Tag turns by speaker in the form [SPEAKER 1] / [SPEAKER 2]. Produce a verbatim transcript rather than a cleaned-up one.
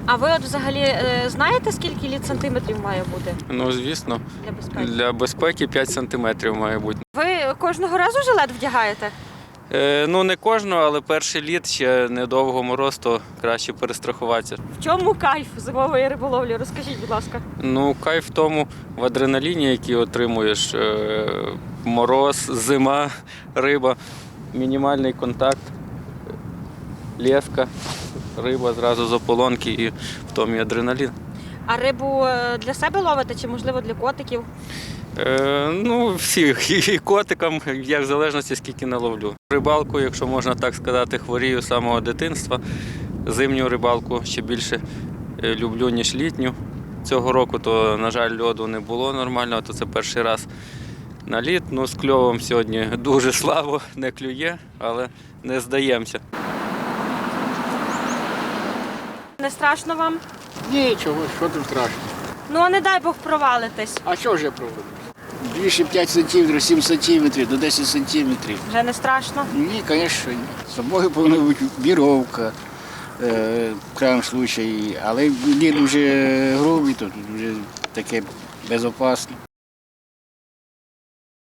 [SPEAKER 1] А ви от взагалі е, знаєте, скільки літ сантиметрів має бути
[SPEAKER 2] Ну, звісно,
[SPEAKER 1] для безпеки?
[SPEAKER 2] для безпеки п'ять сантиметрів має бути.
[SPEAKER 1] Ви кожного разу жилет вдягаєте?
[SPEAKER 2] Е, ну, не кожного, але перший літ, ще недовго мороз, то краще перестрахуватися.
[SPEAKER 1] В чому кайф зимової риболовлі? Розкажіть, будь ласка.
[SPEAKER 2] Ну, кайф в тому, в адреналіні, який отримуєш, е, мороз, зима, риба, мінімальний контакт, леска, риба зразу з ополонки і в тому і адреналін.
[SPEAKER 1] А рибу е, для себе ловите чи, можливо, для котиків?
[SPEAKER 2] Е, ну, всіх, і котикам, я в залежності скільки наловлю. Рибалку, якщо можна так сказати, хворію з самого дитинства. Зимню рибалку ще більше е, люблю, ніж літню. Цього року, то, на жаль, льоду не було нормального, то це перший раз на лід. Ну, з кльовом сьогодні дуже слабо, не клює, але не здаємося.
[SPEAKER 1] Не страшно вам?
[SPEAKER 3] Нічого, що там страшно.
[SPEAKER 1] Ну, а не дай Бог провалитись.
[SPEAKER 3] А що ж я проводжу? Більше п'ять сантиметрів, сім сантиметрів, до десять сантиметрів.
[SPEAKER 1] Вже не страшно?
[SPEAKER 3] Ні, звісно, ні. З собою повинна бути віровка, е, в крайньому випадку, але лід вже грубий, то тут вже таке безпечно.